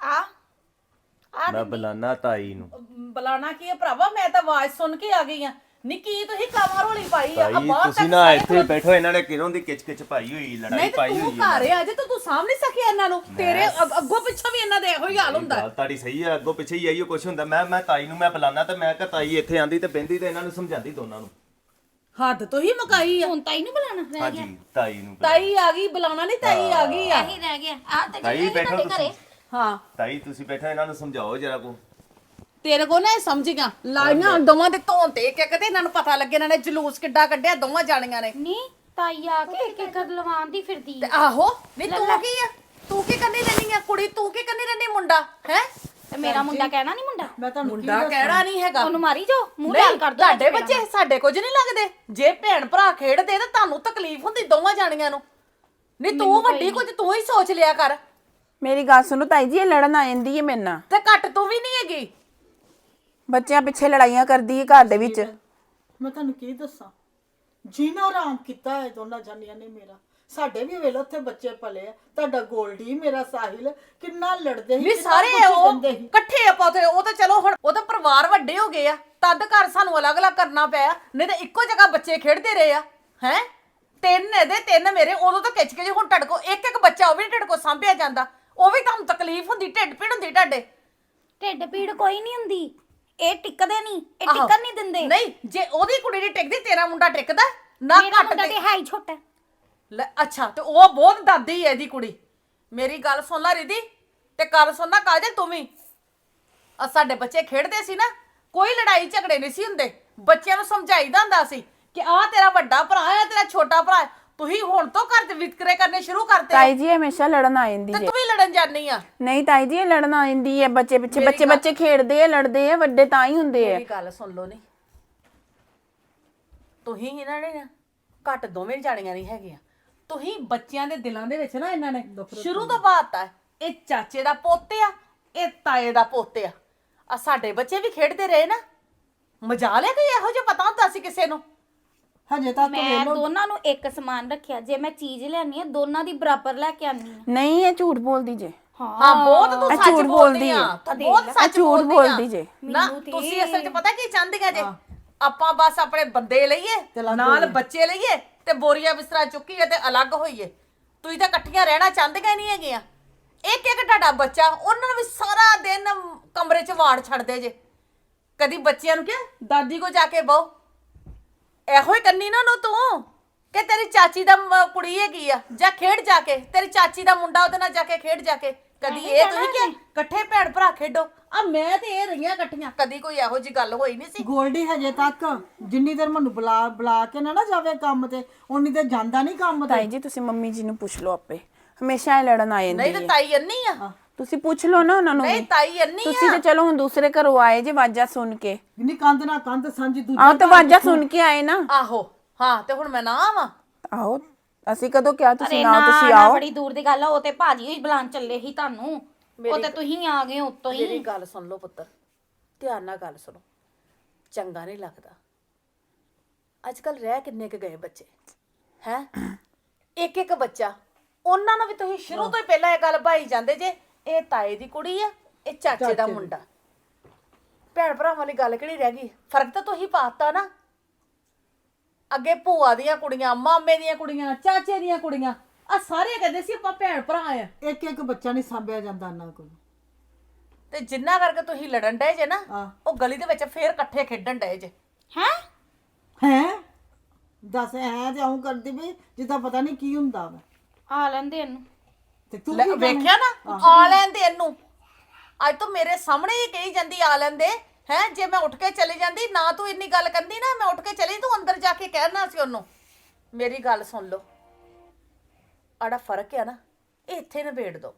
Speaker 5: ਮੈਂ ਬੁਲਾਣਾ ਤਾਈ ਨੂੰ।
Speaker 4: ਬੁਲਾਣਾ ਕੀ ਹੈ ਭਰਾਵਾ, ਮੈਂ ਤਾਂ ਆਵਾਜ਼ ਸੁਣ ਕੇ ਆ ਗਈ ਆ। ਨਿੱਕੀ ਤੁਸੀਂ ਕਾਮਾ ਰੋਲੀ ਪਾਈ ਆ
Speaker 5: ਤਾਈ
Speaker 4: ਬਾਹਰ
Speaker 5: ਤੁਸੀਂ ਨਾ ਇੱਥੇ ਬੈਠੋ, ਇਹਨਾਂ ਨੇ ਕਿਰੋਂ ਦੀ ਕਿਚ ਪਾਈ ਹੋਈ, ਲੜਾਈ
Speaker 4: ਨਹੀਂ ਤੇ
Speaker 5: ਪਾਈ
Speaker 4: ਤੂੰ
Speaker 5: ਹੋਈ
Speaker 4: ਘਰ ਆ, ਅਜੇ ਤਾਂ ਤੂੰ ਸਾਂਭ ਨਹੀਂ ਸਕਿਆ ਇਹਨਾਂ ਨੂੰ। ਤੇਰੇ ਅੱਗੋਂ ਪਿੱਛੋਂ ਵੀ ਇਹਨਾਂ ਦੇ ਇਹੋ ਹੀ ਹਾਲ ਹੁੰਦਾ।
Speaker 5: ਗੱਲ ਤੁਹਾਡੀ ਸਹੀ ਹੈ, ਅੱਗੋਂ ਪਿੱਛੇ ਹੀ ਆਈਓ ਕੁਛ ਹੁੰਦਾ। ਮੈਂ ਤਾਈ ਨੂੰ ਮੈਂ ਬੁਲਾਣਾ ਤੇ ਮੈਂ ਕਿਹਾ ਤਾਈ ਇੱਥੇ ਆਂਦੀ ਤੇ ਬਹਿੰਦੀ ਤੇ ਇਹਨਾਂ ਨੂੰ ਸਮਝਾਉਂਦੀ ਦੋਨਾਂ ਨੂੰ।
Speaker 4: ਹੱਦ ਤੋਂ ਹੀ ਮੁਕਾਈ ਆ।
Speaker 2: ਹੁਣ ਤਾਈ ਨੂੰ ਬੁਲਾਣਾ ਰਹਿ ਗਿਆ।
Speaker 5: ਹਾਂਜੀ ਤਾਈ ਨੂੰ
Speaker 4: ਤਾਈ ਆ ਗਈ, ਬੁਲਾਉਣਾ ਨਹੀਂ, ਤਾਈ ਆ ਗਈ ਆ।
Speaker 2: ਇਹੀ ਰਹਿ ਗਿਆ ਆ ਤੇ
Speaker 5: ਤਾਈ ਬੈਠੋ ਤੁਸੀਂ।
Speaker 4: ਹਾਂ
Speaker 5: ਤਾਈ ਤੁਸੀਂ ਬੈਠੋ, ਇਹਨਾਂ ਨੂੰ ਸਮਝਾਓ ਜਰਾ ਕੋ।
Speaker 4: ਤੇਰੇ ਕੋ ਨਾ ਇਹ ਸਮਝ ਗਿਆ, ਲਾਈਆਂ ਦੋਵਾਂ ਦੇ ਧੌਣ ਤੇ ਇੱਕ ਇੱਕ ਤੇ ਇਹਨਾਂ ਨੂੰ ਪਤਾ ਲੱਗੇ ਇਹਨਾਂ ਨੇ ਜਲੂਸ ਕਿੱਡਾ ਕੱਢਿਆ ਦੋਵਾਂ ਜਾਣੀਆਂ ਨੇ।
Speaker 2: ਨਹੀਂ ਤਾਈ ਆ ਕੇ ਇੱਕ ਇੱਕ ਲਵਾਉਣ ਦੀ ਫਿਰਦੀ
Speaker 4: ਤੇ ਆਹੋ ਨਹੀਂ ਤੂੰ ਕੀ ਆ, ਤੂੰ ਕੀ ਕਰਨੀ ਰਹਿਣੀ ਆ ਕੁੜੀ, ਤੂੰ ਕੀ ਕਰਨੀ ਰਹਿਣੀ ਮੁੰਡਾ ਹੈ।
Speaker 2: ਤੇ ਮੇਰਾ ਮੁੰਡਾ ਕਹਿਣਾ ਨਹੀਂ ਮੁੰਡਾ,
Speaker 4: ਮੈਂ ਤੁਹਾਨੂੰ ਮੁੰਡਾ ਕਹਿਣਾ ਨਹੀਂ ਹੈਗਾ।
Speaker 2: ਉਹਨੂੰ ਮਾਰੀ ਜਾਓ, ਮੂੰਹ ਲਾਲ ਕਰ ਦੋ।
Speaker 4: ਤੁਹਾਡੇ ਬੱਚੇ ਸਾਡੇ ਕੁਝ ਨਹੀਂ ਲੱਗਦੇ। ਜੇ ਭੈਣ ਭਰਾ ਖੇਡਦੇ ਤਾਂ ਤੁਹਾਨੂੰ ਤਕਲੀਫ ਹੁੰਦੀ ਦੋਵਾਂ ਜਾਣੀਆਂ ਨੂੰ। ਨਹੀਂ ਤੂੰ ਵੱਡੀ ਕੁਝ ਤੂੰ ਹੀ ਸੋਚ ਲਿਆ ਕਰ।
Speaker 3: ਮੇਰੀ ਗੱਲ ਸੁਣੋ ਤਾਈ ਜੀ, ਇਹ ਲੜਨ ਆ ਜਾਂਦੀ ਹੈ ਮੇਰੇ ਨਾਲ,
Speaker 4: ਤੇ ਘੱਟ ਤੂੰ ਵੀ ਨਹੀਂ ਹੈਗੀ।
Speaker 3: ਬੱਚਿਆਂ ਪਿੱਛੇ ਲੜਾਈਆਂ ਕਰਦੀ ਹੈ ਘਰ ਦੇ ਵਿੱਚ।
Speaker 4: ਮੈਂ ਤੁਹਾਨੂੰ ਕੀ ਦੱਸਾਂ, ਜੀਣਾ ਆਰਾਮ ਕੀਤਾ ਹੈ ਦੋਨਾਂ ਜਾਨੀਆਂ ਨੇ ਮੇਰਾ। ਸਾਡੇ ਵੀ ਵੇਲੇ ਉੱਥੇ ਬੱਚੇ ਪਲੇ ਆ, ਤੁਹਾਡਾ ਗੋਲਡੀ ਮੇਰਾ ਸਾਹਿਲ ਕਿੰਨਾ ਲੜਦੇ ਸੀ,
Speaker 6: ਵੀ ਸਾਰੇ ਉਹ ਇਕੱਠੇ ਆਪਾਂ ਤੇ ਉਹ ਤਾਂ ਚਲੋ ਹੁਣ ਉਹ ਤਾਂ ਪਰਿਵਾਰ ਵੱਡੇ ਹੋ ਗਏ ਆ, ਤਦ ਘਰ ਸਾਨੂੰ ਅਲੱਗ-ਅਲੱਗ ਕਰਨਾ ਪਿਆ, ਨਹੀਂ ਤਾਂ ਇੱਕੋ ਜਗ੍ਹਾ ਬੱਚੇ ਖੇਡਦੇ ਰਹੇ ਆ। ਹੈ ਤਿੰਨ ਇਹਦੇ ਤਿੰਨ ਮੇਰੇ, ਉਦੋਂ ਤਾਂ ਖਿੱਚ ਕੇ ਹੁਣ ਟੜਕੋ ਇੱਕ ਇੱਕ ਬੱਚਾ ਉਹ ਵੀ ਟੜਕੋ ਸਾਂਭਿਆ ਜਾਂਦਾ, ਉਹ ਵੀ ਤੁਹਾਨੂੰ ਤਕਲੀਫ ਹੁੰਦੀ, ਢਿੱਡ ਪੀੜ ਹੁੰਦੀ ਤੁਹਾਡੇ।
Speaker 2: ਢਿੱਡ ਪੀੜ ਕੋਈ ਨਹੀਂ ਹੁੰਦੀ, ਇਹ ਟਿਕਦੇ ਨਹੀਂ, ਇਹ ਟਿਕਣ ਨਹੀਂ ਦਿੰਦੇ।
Speaker 6: ਨਹੀਂ ਜੇ ਉਹਦੀ ਕੁੜੀ ਨਹੀਂ ਟਿਕਦੀ, ਤੇਰਾ ਮੁੰਡਾ ਟਿਕਦਾ ਨਾ?
Speaker 2: ਮੇਰਾ
Speaker 6: ਘੱਟ
Speaker 2: ਮੁੰਡਾ ਤੇ ਹੈ ਹੀ ਛੋਟਾ।
Speaker 6: ਲੈ ਅੱਛਾ, ਤੇ ਉਹ ਬਹੁਤ ਦਾਦੀ ਹੈ ਇਹਦੀ ਕੁੜੀ। ਮੇਰੀ ਗੱਲ ਸੁਣ ਲੈ ਰਿਦੀ, ਤੇ ਕੱਲ ਸੁਣਨਾ ਕਾਜਲ ਤੂੰ ਵੀ। ਸਾਡੇ ਬੱਚੇ ਖੇਡਦੇ ਸੀ ਨਾ, ਕੋਈ ਲੜਾਈ ਝਗੜੇ ਨਹੀਂ ਸੀ ਹੁੰਦੇ, ਬੱਚਿਆਂ ਨੂੰ ਸਮਝਾਈਦਾ ਹੁੰਦਾ ਸੀ ਕਿ ਆਹ ਤੇਰਾ ਵੱਡਾ ਭਰਾ ਹੈ, ਤੇਰਾ ਛੋਟਾ ਭਰਾ ਹੈ। ਤੁਸੀਂ ਹੁਣ ਤੋਂ ਘਰ ਦੇ ਵਿਤਕਰੇ ਕਰਨੇ ਸ਼ੁਰੂ ਕਰਤੇ
Speaker 3: ਤਾਈ ਜੀ ਹਮੇਸ਼ਾ ਲੜਨ ਆ ਜਾਂਦੀ
Speaker 6: ਤੇ
Speaker 3: ਹੈ।
Speaker 6: ਤੂੰ ਵੀ ਲੜਨ ਜਾਨੀ ਆ।
Speaker 3: ਨਹੀਂ ਤਾਈ ਜੀ, ਇਹ ਲੜਨ ਆ ਜਾਂਦੀ ਹੈ ਬੱਚੇ ਪਿੱਛੇ। ਬੱਚੇ ਖੇਡਦੇ ਆ, ਲੜਦੇ ਆ, ਵੱਡੇ ਤਾਂ ਹੀ ਹੁੰਦੇ ਆ।
Speaker 6: ਮੇਰੀ ਗੱਲ ਸੁਣ ਲਓ ਨੀ, ਤੁਸੀਂ ਇਹਨਾਂ ਨੇ ਨਾ ਘੱਟ ਦੋਵੇਂ ਜਾਣੀਆਂ ਨਹੀਂ ਹੈਗੀਆਂ। ਤੁਸੀਂ ਬੱਚਿਆਂ ਦੇ ਦਿਲਾਂ ਦੇ ਵਿੱਚ ਨਾ ਇਹਨਾਂ ਨੇ ਸ਼ੁਰੂ ਤੋਂ ਬਾਤ ਇਹ ਚਾਚੇ ਦਾ ਪੁੱਤ ਆ, ਇਹ ਤਾਏ ਦਾ ਪੁੱਤ ਆ ਸਾਡੇ ਬੱਚੇ ਵੀ ਖੇਡਦੇ ਰਹੇ ਨਾ। ਮਜਾ ਲਿਆ ਕੋਈ ਇਹੋ ਜਿਹਾ ਪਤਾ ਹੁੰਦਾ ਸੀ ਕਿਸੇ ਨੂੰ?
Speaker 4: ਹਜੇ ਤੱਕ
Speaker 2: ਮੈਂ ਦੋਨਾਂ ਨੂੰ ਇੱਕ ਸਮਾਨ ਰੱਖਿਆ, ਜੇ ਮੈਂ ਚੀਜ਼ ਲੈਣੀ ਹੈ ਦੋਨਾਂ ਦੀ ਬਰਾਬਰ ਲੈ ਕੇ ਆਨੀ ਆ।
Speaker 3: ਨਹੀਂ, ਇਹ ਝੂਠ ਬੋਲਦੀ ਜੇ।
Speaker 6: ਹਾਂ ਬਹੁਤ ਤੂੰ
Speaker 3: ਇਹ
Speaker 6: ਸੱਚ
Speaker 3: ਝੂਠ
Speaker 6: ਬੋਲਦੀ ਆ,
Speaker 3: ਆ।
Speaker 6: ਤੂੰ ਬਹੁਤ ਸੱਚ
Speaker 3: ਝੂਠ
Speaker 6: ਬੋਲਦੀ
Speaker 3: ਬੋਲਦੀ ਜੇ।
Speaker 6: ਨਾ ਤੁਸੀਂ ਅਸਲ 'ਚ ਪਤਾ ਕੀ ਚਾਹੁੰਦੀਆਂ ਜੇ? ਆਪਾਂ ਬਸ ਆਪਣੇ ਬੰਦੇ ਲਈਏ, ਨਾਲ ਬੱਚੇ ਲਈਏ ਤੇ ਬੋਰੀਆ ਬਿਸਤਰਾ ਚੁੱਕੀਏ ਤੇ ਅਲੱਗ ਹੋਈਏ। ਤੁਸੀਂ ਤਾਂ ਇਕੱਠੀਆਂ ਰਹਿਣਾ ਚਾਹੁੰਦੀਆਂ ਨਹੀਂ ਹੈਗੀਆਂ। ਇੱਕ ਇੱਕ ਤੁਹਾਡਾ ਬੱਚਾ, ਉਹਨਾਂ ਨੂੰ ਵੀ ਸਾਰਾ ਦਿਨ ਕਮਰੇ 'ਚ ਵਾੜ ਛੱਡਦੇ ਜੇ। ਕਦੀ ਬੱਚਿਆਂ ਨੂੰ ਕਿਹਾ ਦਾਦੀ ਕੋ ਜਾ ਕੇ ਬਹੁ, ਇਹੋ ਹੀ ਕੰਨੀ ਨਾ ਨੂੰ ਤੂੰ ਕਿ ਤੇਰੀ ਚਾਚੀ ਦਾ ਕੁੜੀ ਹੈਗੀ ਆ, ਜਾਂ ਖੇਡ ਜਾ ਕੇ, ਤੇਰੀ ਚਾਚੀ ਦਾ ਮੁੰਡਾ ਉਹਦੇ ਨਾਲ ਜਾ ਕੇ ਖੇਡ ਜਾ ਕੇ। ਕਦੀ ਇਹ ਤੁਸੀਂ ਕਿ ਇਕੱਠੇ ਭੈਣ ਭਰਾ ਖੇਡੋ?
Speaker 4: ਆ ਮੈਂ ਤੇ ਇਹ ਰਹੀਆਂ ਇਕੱਠੀਆਂ।
Speaker 6: ਕਦੀ ਕੋਈ ਇਹੋ ਜੀ ਗੱਲ ਹੋਈ ਨਹੀਂ ਸੀ।
Speaker 4: ਗੋਲਡੀ ਹਜੇ ਤੱਕ ਜਿੰਨੀ ਦੇਰ ਮੈਨੂੰ ਬੁਲਾ ਕੇ ਨਾ ਜਾਵੇ ਕੰਮ ਤੇ, ਉਨੀ ਦੇਰ ਜਾਂਦਾ ਨਹੀਂ ਕੰਮ ਤੇ।
Speaker 3: ਤਾਈ ਜੀ ਤੁਸੀਂ ਮੰਮੀ ਜੀ ਨੂੰ ਪੁੱਛ ਲਓ ਆਪੇ, ਹਮੇਸ਼ਾ ਇਹ ਲੜਨ ਆ ਜਾਂਦੀ
Speaker 6: ਨਹੀਂ ਤੇ
Speaker 3: ਹੈ।
Speaker 6: ਤਾਈ ਅੰਨੀ ਆ।
Speaker 3: ਤੁਸੀਂ ਪੁੱਛ ਲਓ ਨਾ ਉਹਨਾਂ ਨੂੰ
Speaker 6: ਨਹੀਂ
Speaker 3: ਵੀ।
Speaker 6: ਤਾਈ ਅੰਨੀ
Speaker 3: ਤੁਸੀਂ
Speaker 6: ਆ।
Speaker 3: ਤੇ ਚਲੋ ਹੁਣ ਦੂਸਰੇ ਘਰੋਂ ਆਏ ਜੇ ਆਵਾਜ਼ਾਂ ਸੁਣ ਕੇ।
Speaker 4: ਨਹੀਂ ਕੰਧ ਨਾ ਕੰਧ ਸਾਂਝੀ ਦੂਜਾ
Speaker 3: ਆਹ ਤਾਂ ਆਵਾਜ਼ਾਂ ਸੁਣ ਕੇ ਆਏ ਨਾ।
Speaker 6: ਆਹੋ ਹਾਂ, ਤੇ ਹੁਣ ਮੈਂ ਨਾ ਆਵਾਂ?
Speaker 3: ਆਹੋ, ਅਸੀਂ ਕਦੋਂ ਕਿਹਾ ਤੁਸੀਂ ਨਾ?
Speaker 2: ਨਾ
Speaker 3: ਤੁਸੀਂ
Speaker 2: ਨਾ
Speaker 3: ਆਓ।
Speaker 2: ਬੜੀ ਦੂਰ ਦੀ ਗੱਲ ਆ, ਉਹ ਤੇ ਭਾਜੀ ਹੀ ਬੁਲਾਉਣ ਚੱਲੇ ਸੀ ਤੁਹਾਨੂੰ, ਉਹ ਤੇ ਤੁਸੀਂ ਆ ਗਏ ਉੱਤੋਂ ਹੀ।
Speaker 6: ਮੇਰੀ ਗੱਲ ਸੁਣ ਲਓ ਪੁੱਤਰ, ਧਿਆਨ ਨਾਲ ਗੱਲ ਸੁਣੋ। ਚੰਗਾ ਨਹੀਂ ਲੱਗਦਾ। ਅੱਜ ਕੱਲ ਰਹਿ ਕਿੰਨੇ ਕੁ ਗਏ ਬੱਚੇ ਹੈ, ਇੱਕ ਇੱਕ ਬੱਚਾ। ਉਹਨਾਂ ਨੂੰ ਵੀ ਤੁਸੀਂ ਸ਼ੁਰੂ ਤੋਂ ਹੀ ਪਹਿਲਾਂ ਇਹ ਗੱਲ ਭਾਈ ਜਾਂਦੇ ਜੇ ਇਹ ਤਾਏ ਦੀ ਕੁੜੀ ਆ, ਇਹ ਚਾਚੇ ਦਾ ਮੁੰਡਾ। ਭੈਣ ਭਰਾਵਾਂ ਵਾਲੀ ਗੱਲ ਕਿਹੜੀ ਰਹਿ ਗਈ? ਫਰਕ ਤਾਂ ਤੁਸੀਂ ਪਾਤਾ ਨਾ। ਅੱਗੇ ਭੂਆ ਦੀਆਂ ਕੁੜੀਆਂ, ਮਾਮੇ ਦੀਆਂ ਕੁੜੀਆਂ, ਚਾਚੇ ਦੀਆਂ ਕੁੜੀਆਂ, ਆ ਸਾਰੇ ਕਹਿੰਦੇ ਸੀ ਆਪਾਂ ਭੈਣ ਭਰਾ ਆ।
Speaker 4: ਇੱਕ ਇੱਕ ਬੱਚਾ ਨਹੀਂ ਸਾਂਭਿਆ ਜਾਂਦਾ ਉਹਨਾਂ ਕੋਲ।
Speaker 6: ਤੇ ਜਿੰਨਾ ਕਰਕੇ ਤੁਸੀਂ ਲੜਨ ਡਏ ਜੇ ਨਾ,
Speaker 4: ਹਾਂ।
Speaker 6: ਉਹ ਗਲੀ ਦੇ ਵਿੱਚ ਫੇਰ ਇਕੱਠੇ ਖੇਡਣ ਡਏ ਜੇ।
Speaker 4: ਹੈ ਦੱਸ, ਐ ਤੇ ਆਉਂ ਕਰਦੀ ਵੀ ਜਿੱਦਾਂ ਪਤਾ ਨਹੀਂ ਕੀ ਹੁੰਦਾ ਵਾ।
Speaker 2: ਆ ਲੈਂਦੇ ਇਹਨੂੰ।
Speaker 4: ਤੇ ਤੂੰ
Speaker 6: ਲੈ,
Speaker 4: ਕੀ
Speaker 6: ਵੇਖਿਆ ਨਾ, ਆ ਲੈਂਦੇ ਇਹਨੂੰ। ਅੱਜ ਤੋਂ ਮੇਰੇ ਸਾਹਮਣੇ ਹੀ ਕਹੀ ਜਾਂਦੀ ਆ ਲੈਂਦੇ ਹੈ। ਜੇ ਮੈਂ ਉੱਠ ਕੇ ਚਲੀ ਜਾਂਦੀ ਨਾ, ਤੂੰ ਇੰਨੀ ਗੱਲ ਕਰਦੀ ਨਾ, ਮੈਂ ਉੱਠ ਕੇ ਚਲੀ, ਤੂੰ ਅੰਦਰ ਜਾ ਕੇ ਕਹਿਣਾ ਸੀ ਉਹਨੂੰ। ਮੇਰੀ ਗੱਲ ਸੁਣ ਲਓ, ਆੜਾ ਫਰਕ ਆ ਨਾ, ਇਹ ਇੱਥੇ ਨਿਬੇੜ ਦੋ।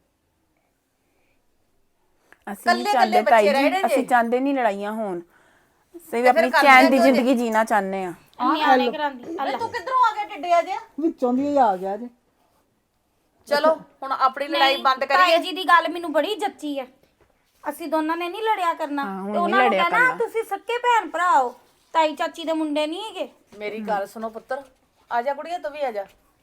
Speaker 3: ਅਸੀਂ ਨਹੀਂ
Speaker 6: ਕੱਲੇ
Speaker 3: ਚਾਹੁੰਦੇ
Speaker 6: ਕੱਲੇ
Speaker 3: ਤਾਈ
Speaker 6: ਬੱਚੇ
Speaker 3: ਜੀ,
Speaker 6: ਰਹਿਣੇ ਜੇ।
Speaker 3: ਅਸੀਂ ਚਾਹੁੰਦੇ ਨਹੀਂ ਲੜਾਈਆਂ ਹੋਣ। ਅਸੀਂ ਵੀ
Speaker 6: ਤੇ ਫਿਰ
Speaker 3: ਆਪਣੀ
Speaker 6: ਕਰਦੇ
Speaker 3: ਚੈਨ ਦੀ
Speaker 6: ਕਿਉਂ ਜੇ?
Speaker 3: ਜ਼ਿੰਦਗੀ ਜੀਣਾ ਚਾਹੁੰਦੇ ਆ।
Speaker 2: ਨਿਆਣੇ ਕਰਾਂਦੀ
Speaker 6: ਵੇ ਤੂੰ ਕਿੱਧਰੋਂ ਆ ਗਿਆ ਟਿੱਡਿਆ ਜਿਹਾ
Speaker 4: ਵਿੱਚੋਂ ਦੀ ਹੀ ਆ ਗਿਆ ਜੇ।
Speaker 6: ਚਲੋ ਹੁਣ ਆਪਣੀ ਲੜਾਈ ਬੰਦ
Speaker 2: ਤਾਈ
Speaker 6: ਕਰੀਏ
Speaker 2: ਜੀ ਦੀ ਗੱਲ ਮੈਨੂੰ ਬੜੀ ਜੱਚੀ ਹੈ। ਅਸੀਂ ਦੋਨਾਂ ਨੇ ਨਹੀਂ ਲੜਿਆ ਕਰਨਾ
Speaker 3: ਹੁਣ
Speaker 2: ਤੇ
Speaker 3: ਨੀ
Speaker 2: ਉਹਨਾਂ ਨੂੰ
Speaker 3: ਲੜਿਆ
Speaker 2: ਕਹਿਣਾ ਤੁਸੀਂ ਸੱਕੇ ਭੈਣ ਭਰਾ ਹੋ, ਤਾਈ ਚਾਚੀ ਦੇ ਮੁੰਡੇ ਨਹੀਂ ਹੈਗੇ।
Speaker 6: ਮੇਰੀ ਗੱਲ ਸੁਣੋ ਪੁੱਤਰ ਆ ਜਾ ਕੁੜੀਏ ਤੂੰ ਵੀ ਆ ਜਾ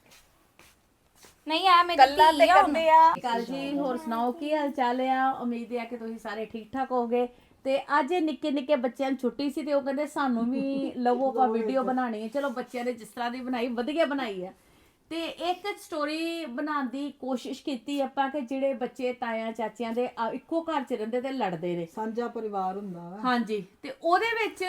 Speaker 2: ਨਹੀਂ ਆ ਮੇਰੀ
Speaker 6: ਕੱਲਾ ਤੇ
Speaker 2: ਧੀ ਆ ਹੁਣ।
Speaker 6: ਕਰਦੇ ਆ
Speaker 7: ਕਾਲ ਜੀ, ਹੋਰ ਸੁਣਾਓ ਕੀ ਹਾਲ ਚਾਲ ਆ? ਉਮੀਦ ਹੈ ਕਿ ਤੁਸੀਂ ਸਾਰੇ ਠੀਕ ਠਾਕ ਹੋਗੇ। ਤੇ ਅੱਜ ਇਹ ਨਿੱਕੇ ਨਿੱਕੇ ਬੱਚਿਆਂ ਨੂੰ ਛੁੱਟੀ ਸੀ ਤੇ ਉਹ ਕਹਿੰਦੇ ਸਾਨੂੰ ਵੀ ਲਵੋ ਆਪਾਂ ਵੀਡੀਓ ਬਣਾਣੀ ਹੈ। ਚਲੋ ਬੱਚਿਆਂ ਨੇ ਜਿਸ ਤਰ੍ਹਾਂ ਦੀ ਬਣਾਈ ਵਧੀਆ ਬਣਾਈ ਆ। ਤੇ ਇੱਕ ਸਟੋਰੀ ਬਣਾਉਣ ਦੀ ਕੋਸ਼ਿਸ਼ ਕੀਤੀ ਆਪਾਂ ਕਿ ਜਿਹੜੇ ਬੱਚੇ ਤਾਇਆਂ ਚਾਚਿਆਂ ਦੇ ਇੱਕੋ ਘਰ 'ਚ ਰਹਿੰਦੇ ਤੇ ਲੜਦੇ ਨੇ।
Speaker 4: ਸਾਂਝਾ ਪਰਿਵਾਰ ਹੁੰਦਾ ਵਾ।
Speaker 7: ਹਾਂਜੀ, ਤੇ ਉਹਦੇ ਵਿੱਚ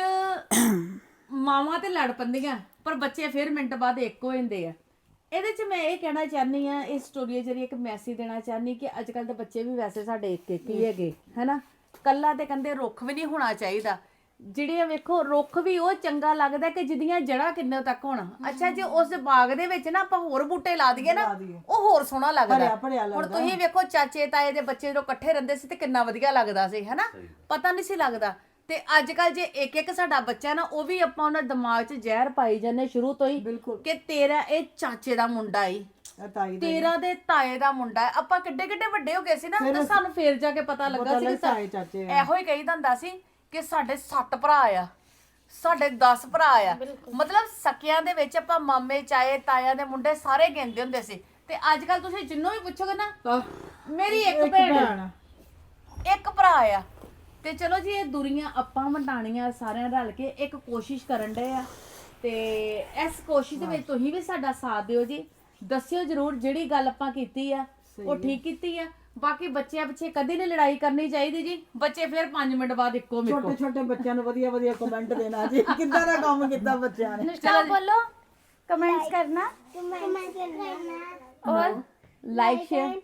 Speaker 7: ਮਾਵਾਂ ਤੇ ਲੜ ਪੈਂਦੀਆਂ ਪਰ ਬੱਚੇ ਫਿਰ ਮਿੰਟ ਬਾਅਦ ਇੱਕ ਹੋ ਜਾਂਦੇ ਆ। ਇਹਦੇ 'ਚ ਮੈਂ ਇਹ ਕਹਿਣਾ ਚਾਹਨੀ ਆ, ਇਸ ਸਟੋਰੀ ਜਰੀਏ ਇੱਕ ਮੈਸੇਜ ਦੇਣਾ ਚਾਹਨੀ ਕਿ ਅੱਜ ਕੱਲ ਦੇ ਬੱਚੇ ਵੀ ਵੈਸੇ ਸਾਡੇ ਇੱਕ ਇੱਕ ਹੀ ਹੈਗੇ, ਹੈਨਾ। ਕੱਲਾ ਤੇ ਕਹਿੰਦੇ ਰੁੱਖ ਵੀ ਨਹੀਂ ਹੋਣਾ ਚਾਹੀਦਾ। ਜਿਹੜੇ ਵੇਖੋ ਰੁੱਖ ਵੀ ਉਹ ਚੰਗਾ ਲੱਗਦਾ ਕਿ ਜਿਹਦੀਆਂ ਜੜ੍ਹਾਂ ਕਿੰਨੇ ਤੱਕ ਹੋਣ। ਅੱਛਾ, ਜੇ ਉਸ ਬਾਗ ਦੇ ਵਿੱਚ ਨਾ ਆਪਾਂ ਹੋਰ ਬੂਟੇ ਲਾ ਦਈਏ ਨਾ ਉਹ ਹੋਰ ਸੋਹਣਾ ਲੱਗਦਾ। ਹੁਣ ਤੁਸੀਂ ਵੇਖੋ ਚਾਚੇ ਤਾਏ ਦੇ ਬੱਚੇ ਜਦੋਂ ਇਕੱਠੇ ਰਹਿੰਦੇ ਸੀ ਤੇ ਕਿੰਨਾ ਵਧੀਆ ਲੱਗਦਾ ਸੀ, ਹੈਨਾ। ਪਤਾ ਨਹੀਂ ਸੀ ਲੱਗਦਾ। ਤੇ ਅੱਜ ਕੱਲ ਜੇ ਇੱਕ ਇੱਕ ਸਾਡਾ ਬੱਚਾ ਨਾ ਉਹ ਵੀ ਆਪਾਂ ਉਹਨਾਂ ਦਿਮਾਗ 'ਚ ਜ਼ਹਿਰ ਪਾਈ ਜਾਂਦੇ ਸ਼ੁਰੂ ਤੋਂ ਹੀ ਕਿ ਤੇਰਾ ਇਹ ਚਾਚੇ ਦਾ ਮੁੰਡਾ ਈ, ਤੇਰਾ ਦੇ ਤਾਏ ਦਾ ਮੁੰਡਾ ਹੈ। ਆਪਾਂ ਕਿੱਡੇ ਕਿੱਡੇ ਵੱਡੇ ਹੋ ਗਏ ਸੀ ਨਾ ਤੇ ਸਾਨੂੰ ਫੇਰ ਜਾ ਕੇ ਪਤਾ ਲੱਗਾ ਸੀ ਕਿ
Speaker 6: ਇਹੋ ਹੀ ਕਹੀਦਾ ਹੁੰਦਾ ਸੀ ਕਿ ਸਾਡੇ 7 ਭਰਾ ਆ, ਸਾਡੇ 10 ਭਰਾ ਆ। ਮਤਲਬ ਸਕਿਆਂ ਦੇ ਵਿੱਚ ਆਪਾਂ ਮਾਮੇ ਚਾਏ ਤਾਇਆਂ ਦੇ ਮੁੰਡੇ ਸਾਰੇ ਗਿਣਦੇ ਹੁੰਦੇ ਸੀ। ਤੇ ਅੱਜ ਕੱਲ ਤੁਸੀਂ ਜਿੰਨੂੰ ਵੀ ਪੁੱਛੋਗੇ ਨਾ ਮੇਰੀ ਇੱਕ ਭੈਣ ਇੱਕ ਭਰਾ ਆ।
Speaker 7: ਤੇ ਚਲੋ ਜੀ ਇਹ ਦੁਰੀਆਂ ਆਪਾਂ ਵੰਡਾਣੀਆਂ ਸਾਰਿਆਂ ਰਲ ਕੇ ਇੱਕ ਕੋਸ਼ਿਸ਼ ਕਰਨ ਡਏ ਆ। ਤੇ ਇਸ ਕੋਸ਼ਿਸ਼ ਦੇ ਵਿੱਚ ਤੁਸੀਂ ਵੀ ਸਾਡਾ ਸਾਥ ਦਿਓ ਜੀ। ਦੱਸਿਓ ਜਰੂਰ ਜਿਹੜੀ ਗੱਲ ਆਪਾਂ ਕੀਤੀ ਆ ਉਹ ਠੀਕ ਕੀਤੀ ਆ। ਬਾਕੀ ਬੱਚਿਆਂ ਪਿੱਛੇ ਕਦੇ ਨਹੀਂ ਲੜਾਈ ਕਰਨੀ ਚਾਹੀਦੀ ਜੀ। ਬੱਚੇ ਫਿਰ 5 ਮਿੰਟ ਬਾਅਦ ਇੱਕੋ ਮਿੱਕੋ।
Speaker 4: ਛੋਟੇ ਛੋਟੇ ਬੱਚਿਆਂ ਨੂੰ ਵਧੀਆ ਵਧੀਆ ਕਮੈਂਟ ਦੇਣਾ ਜੀ ਕਿੱਦਾਂ ਦਾ ਕੰਮ ਕੀਤਾ ਬੱਚਿਆਂ ਨੇ।
Speaker 2: अनुष्का बोलो, कमेंट्स करना
Speaker 1: कमेंट करना
Speaker 2: और
Speaker 7: लाइक शेयर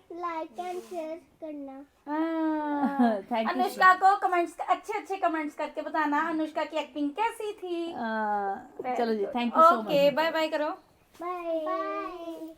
Speaker 1: करना।
Speaker 7: Thank you.
Speaker 2: अनुष्का को कमेंट्स अच्छे अच्छे कमेंट्स करके बताना अनुष्का की एक्टिंग कैसी थी।
Speaker 7: चलो जी, thank you so much.
Speaker 2: Okay, bye bye करो।
Speaker 1: Bye bye.